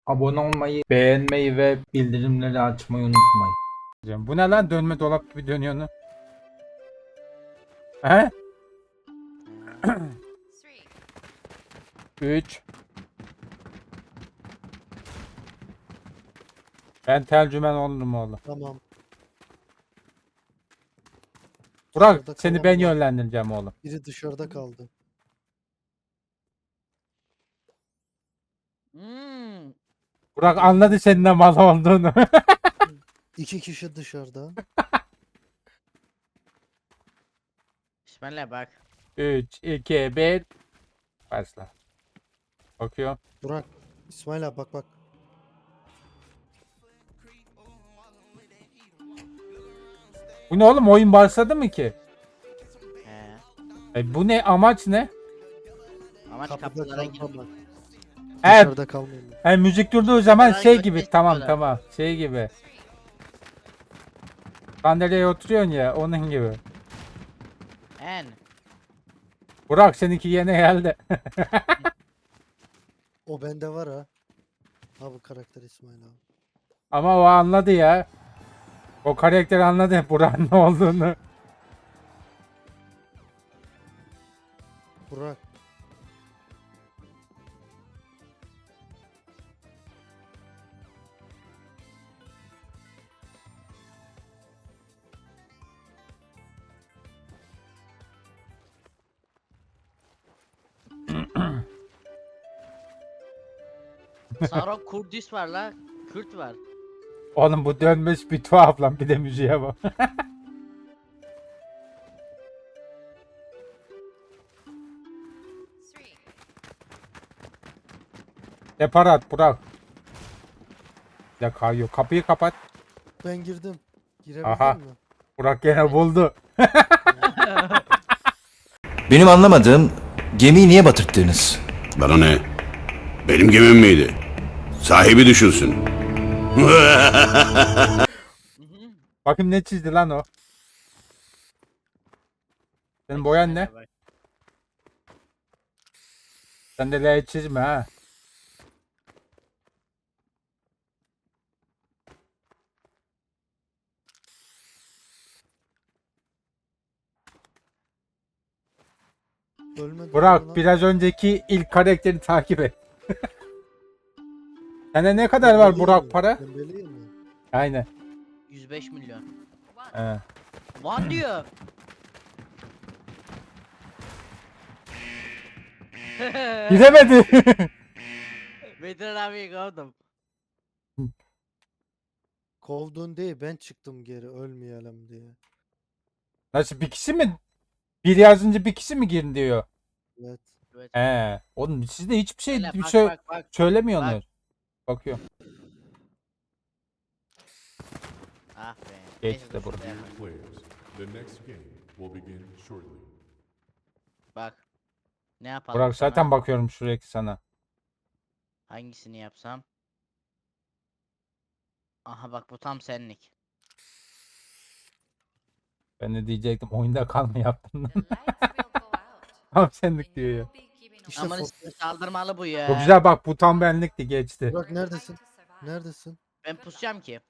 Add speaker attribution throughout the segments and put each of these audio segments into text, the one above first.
Speaker 1: Abone olmayı, beğenmeyi ve bildirimleri açmayı unutmayın. Bu ne lan, dönme dolap gibi dönüyor. He? 3. Ben tercüman olurum oğlum.
Speaker 2: Tamam.
Speaker 1: Burak,
Speaker 2: Dışarıda
Speaker 1: seni
Speaker 2: kalan
Speaker 1: ben
Speaker 2: var.
Speaker 1: yönlendireceğim oğlum.
Speaker 2: Biri dışarıda kaldı.
Speaker 3: Hmm.
Speaker 1: Burak anladı senin de mal olduğunu.
Speaker 2: 2 kişi dışarıda.
Speaker 3: Bismillah bak.
Speaker 1: 3, 2, 1. Başla. Bakıyor.
Speaker 2: Burak. İsmail abi bak bak.
Speaker 1: Bu ne oğlum, oyun başladı mı ki?
Speaker 3: He.
Speaker 1: Bu ne, amaç ne?
Speaker 3: Amaç
Speaker 2: Kapıda
Speaker 3: kapılara girmek.
Speaker 2: kalmamak.
Speaker 1: Evet.
Speaker 2: Dışarıda kalmayın.
Speaker 1: Müzik durduğu zaman
Speaker 3: Kapılara
Speaker 1: şey
Speaker 3: girmek
Speaker 1: gibi,
Speaker 3: istiyorlar.
Speaker 1: tamam şey gibi. Sandalyeye oturuyorsun ya, onun gibi.
Speaker 3: En.
Speaker 1: Burak, seninki yine geldi.
Speaker 2: O bende var ha. Ha bu karakter İsmail abi.
Speaker 1: Ama o anladı ya. O karakter anladı Burak'ın ne olduğunu.
Speaker 2: Burak.
Speaker 3: Sarok Kurdis var la. Kürt var.
Speaker 1: Oğlum bu dönmüş bir tuhaf lan, bir de müziğe bak. Depar at Burak. Ya kayıyor. Kapıyı kapat.
Speaker 2: Ben girdim.
Speaker 1: Aha.
Speaker 2: Girebildin mi?
Speaker 1: Burak gene buldu.
Speaker 4: Benim anlamadığım gemiyi niye batırttınız?
Speaker 5: Bana ne? Benim gemim miydi? Sahibi düşünsün.
Speaker 1: Bakayım ne çizdi lan o. Senin boyan ne?
Speaker 3: Bak.
Speaker 1: Sen de L çizme ha.
Speaker 2: Ölmedi.
Speaker 1: Burak, biraz önceki ilk karakteri takip et. Sende ne kadar var Burak para?
Speaker 2: Dembeleyim mi?
Speaker 1: Aynen.
Speaker 3: 105 milyon.
Speaker 1: He.
Speaker 3: Van diyor.
Speaker 1: Gidemedi.
Speaker 3: Bedir abi kovdum.
Speaker 2: Kovdun değil ben çıktım geri ölmeyelim diye.
Speaker 1: Nasıl, bir kişi mi? Bir yazınca bir kişi mi girin diyor.
Speaker 2: Evet.
Speaker 3: Evet.
Speaker 1: He. Oğlum siz de hiçbir şey
Speaker 3: Hele
Speaker 1: bir
Speaker 3: bak,
Speaker 1: şey
Speaker 3: bak, bak.
Speaker 1: söylemiyorsunuz. Bakıyorum.
Speaker 3: Ah be.
Speaker 1: Geç
Speaker 3: Neyse,
Speaker 1: de
Speaker 3: dur
Speaker 1: burada.
Speaker 3: şurada yapayım.
Speaker 6: Players, the next game will begin shortly.
Speaker 3: Bak. Ne yapalım
Speaker 1: Burak,
Speaker 3: sana?
Speaker 1: zaten bakıyorum sürekli sana.
Speaker 3: Hangisini yapsam? Aha bak bu tam senlik.
Speaker 1: Ben de diyecektim, oyunda kal mı yaptın? Tam senlik diyor ya.
Speaker 2: İşte
Speaker 3: Aman saldırmalı bu ya.
Speaker 1: Çok güzel, bak bu tam benlikti, geçti.
Speaker 2: Burak neredesin? Neredesin?
Speaker 3: Ben pusacağım ki.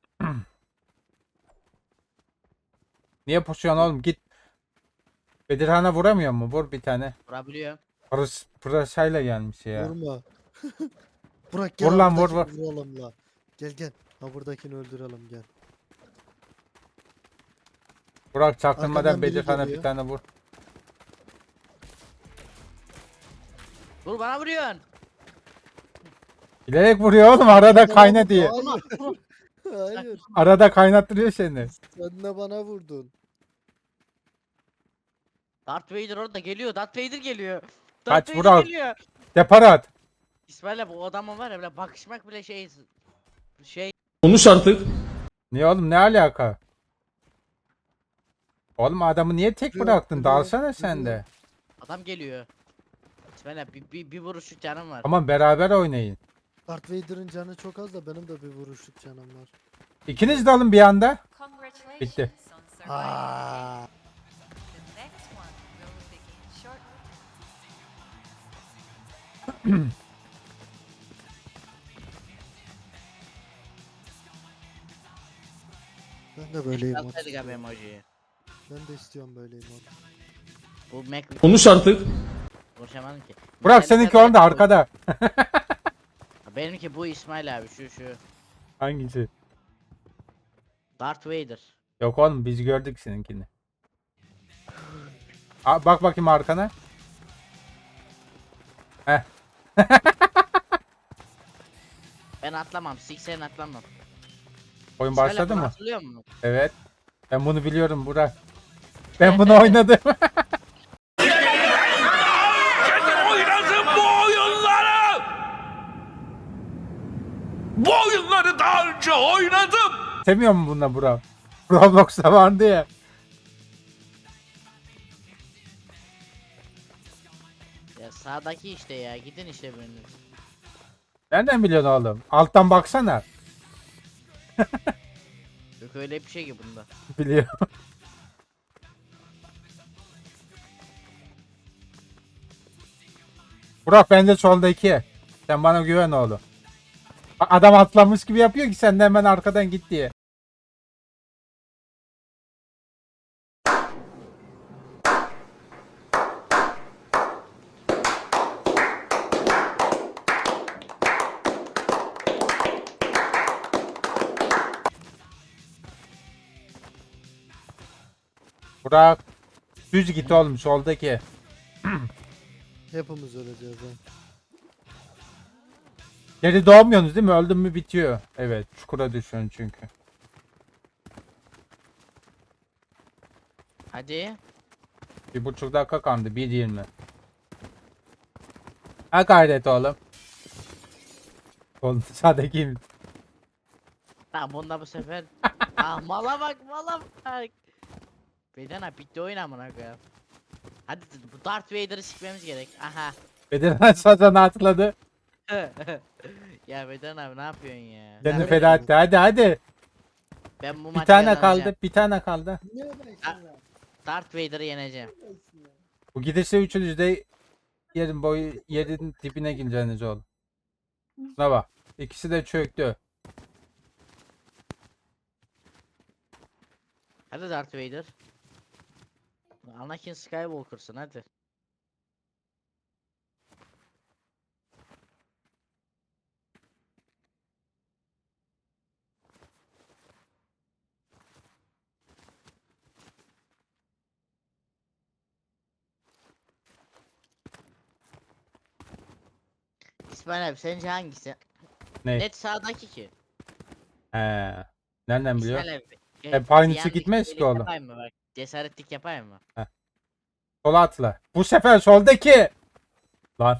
Speaker 1: Niye pusuyorsun oğlum, git. Bedirhan'a vuramıyor mu? Vur bir tane.
Speaker 3: Vurabiliyor.
Speaker 1: Pırasayla gelmiş ya.
Speaker 2: Vurma. Burak gel
Speaker 1: Vur lan, vur,
Speaker 2: buradakini vuralım la. Gel gel. Ha buradakini öldürelim gel.
Speaker 1: Burak, çaktırmadan
Speaker 2: Arkadan biri
Speaker 1: Bedirhan'a bir
Speaker 2: geliyor.
Speaker 1: tane vur.
Speaker 3: Dur bana vuruyorsun.
Speaker 1: Bilerek vuruyor oğlum, arada kayna diye.
Speaker 2: Hayır. Hayır.
Speaker 1: Arada kaynattırıyor seni.
Speaker 2: Sen de bana vurdun.
Speaker 3: Darth Vader orada geliyor. Darth Vader geliyor.
Speaker 1: Kaç,
Speaker 3: Vader
Speaker 1: Burak.
Speaker 3: geliyor.
Speaker 1: Depar at.
Speaker 3: İsmail'le bu adamın var ya böyle bakışmak bile şey
Speaker 7: Konuş artık.
Speaker 1: Niye oğlum, ne alaka? Oğlum adamı niye tek
Speaker 2: Biliyorum,
Speaker 1: bıraktın?
Speaker 2: biliyorum,
Speaker 1: Dalsana sen de.
Speaker 3: adam geliyor. İsmail'le bir vuruşluk canım var.
Speaker 1: Tamam, beraber oynayın.
Speaker 2: Darth Vader'ın canı çok az da benim de bir vuruşluk canım var.
Speaker 1: İkiniz de alın bir anda. Bitti.
Speaker 2: Aa. Ben de böyle emote
Speaker 3: Alsaydık abi
Speaker 2: istiyorum.
Speaker 3: emojiyi.
Speaker 2: Ben de istiyorum böyle emote.
Speaker 3: Bu Mac
Speaker 7: Konuş artık.
Speaker 3: konuşamadım ki.
Speaker 1: Burak
Speaker 3: Metallica'da
Speaker 1: seninki orada
Speaker 3: hep bu-
Speaker 1: arkada.
Speaker 3: Benimki bu İsmail abi şu.
Speaker 1: Hangisi?
Speaker 3: Darth Vader.
Speaker 1: Yok oğlum biz gördük seninkini. Bak bakayım arkana. Heh.
Speaker 3: Ben atlamam. Siksen atlamam.
Speaker 1: Oyun
Speaker 3: İsmail
Speaker 1: başladı
Speaker 3: abi
Speaker 1: mı?
Speaker 3: hatırlıyor musun?
Speaker 1: Evet. Ben bunu biliyorum Burak. Ben bunu oynadım.
Speaker 7: Bu oyunları daha önce oynadım.
Speaker 1: Sevmiyor mu bununla Burak? Roblox'ta vardı ya.
Speaker 3: Ya sağdaki işte ya. Gidin işte biriniz.
Speaker 1: Nereden biliyorsun oğlum? Alttan baksana.
Speaker 3: Yok öyle bir şey ki bunda.
Speaker 1: Biliyorum. Burak bence soldaki. Sen bana güven oğlum. Adam atlamış gibi yapıyor ki sen de hemen arkadan git diye. Burak düz git oğlum soldaki.
Speaker 2: Hepimiz öleceğiz ha.
Speaker 1: Geri doğmuyorsunuz değil mi? Öldün mü bitiyor. Evet çukura düşüyorsun çünkü.
Speaker 3: Hadi.
Speaker 1: 1,5 dakika kaldı. 1:20. Ha gayret oğlum. Oğlum sağdaki
Speaker 3: Tamam bunda bu sefer. Ah mala bak. Beden abi bitti oyun amına koyayım. Hadi bu Darth Vader'ı sikmemiz gerek. Aha.
Speaker 1: bedenen sazanı atladı.
Speaker 3: Ya Beden abi ne yapıyorsun ya?
Speaker 1: Kendini
Speaker 3: Ben-
Speaker 1: feda etti. Hadi.
Speaker 3: Ben bu
Speaker 1: Bir
Speaker 3: maçı
Speaker 1: tane
Speaker 3: kazanacağım.
Speaker 1: kaldı. Bir tane kaldı.
Speaker 3: Darth Vader'ı yeneceğim.
Speaker 1: Bu gidişle üçünüz de yerin dibine gireceğiniz oğlum. Şuna bak. İkisi de çöktü.
Speaker 3: Hadi Darth Vader. Anakin Skywalker'sın hadi. İsmail abi sence hangisi?
Speaker 1: Ne?
Speaker 3: Net sağdaki ki.
Speaker 1: He. Nereden biliyor?
Speaker 3: İsmail abi.
Speaker 1: Hep aynısı
Speaker 3: yanlış
Speaker 1: gitmez
Speaker 3: şeylik
Speaker 1: ki oğlum.
Speaker 3: Yapayım mı bak? Cesaretlik yapayım mı?
Speaker 1: Sola atla. Bu sefer soldaki. Lan.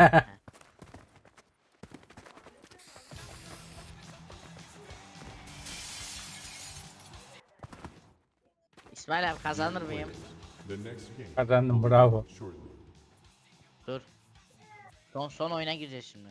Speaker 3: İsmail abi kazanır mıyım?
Speaker 6: The next game
Speaker 1: Kazandım
Speaker 6: will
Speaker 1: bravo.
Speaker 6: begin shortly.
Speaker 3: Dur. Son oyuna gireceğiz şimdi.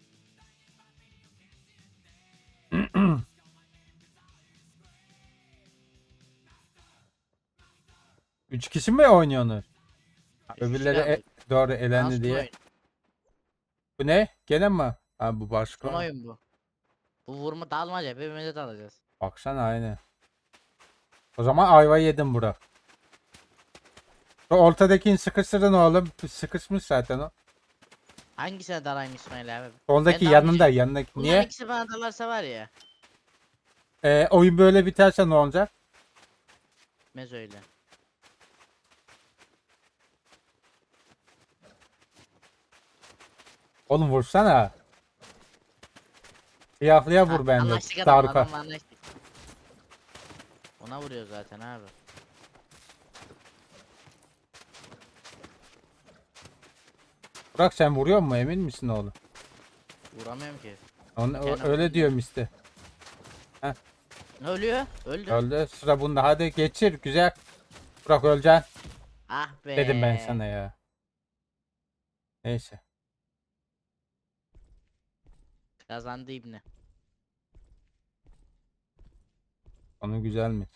Speaker 1: Üç kişi mi oynuyorsunuz?
Speaker 3: Üç
Speaker 1: Öbürleri
Speaker 3: kişi kaldı.
Speaker 1: doğru
Speaker 3: Daha
Speaker 1: elendi
Speaker 3: son
Speaker 1: diye.
Speaker 3: oyun.
Speaker 1: Bu ne? Gene mi? Ha bu
Speaker 3: Son
Speaker 1: başka.
Speaker 3: oyun bu. Bu vurma dalmaca birbirimize dalacağız.
Speaker 1: Baksana aynı. O zaman ayva yedim Burak. Şu ortadakini sıkıştırdın oğlum. Sıkışmış zaten o.
Speaker 3: Hangisine dalayım İsmail abi?
Speaker 1: Soldaki
Speaker 3: Ben
Speaker 1: yanında
Speaker 3: dalmayacağım.
Speaker 1: yanındaki.
Speaker 3: Bunların
Speaker 1: Niye?
Speaker 3: ikisi bana dalarsa var ya.
Speaker 1: Oyun böyle biterse ne olacak?
Speaker 3: Bitmez öyle.
Speaker 1: Oğlum vursana. Siyahlıya vur bence.
Speaker 3: Anlaştık adamla,
Speaker 1: Darka.
Speaker 3: adamla anlaştık. Ona vuruyor zaten abi.
Speaker 1: Burak sen vuruyor mu emin misin oğlum?
Speaker 3: Vuramıyorum ki.
Speaker 1: Öyle
Speaker 3: vuruyor.
Speaker 1: diyorum işte.
Speaker 3: Ne ölüyor? Öldü.
Speaker 1: Öldü. Sıra bunda. Hadi geçir. Güzel. Burak öleceksin.
Speaker 3: Ah be.
Speaker 1: Dedim ben sana ya. Neyse.
Speaker 3: Kazandı İbni.
Speaker 1: Onu güzel mi?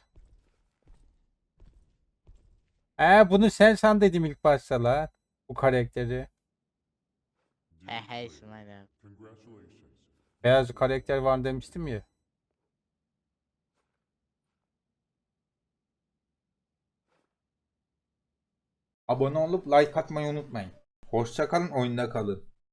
Speaker 1: Bunu sen san dedim ilk başta la. Bu karakteri.
Speaker 3: He İsmail abi.
Speaker 6: Congratulations.
Speaker 1: Beyaz karakter var demiştim ya. Abone olup like atmayı unutmayın. Hoşça kalın, oyunda kalın.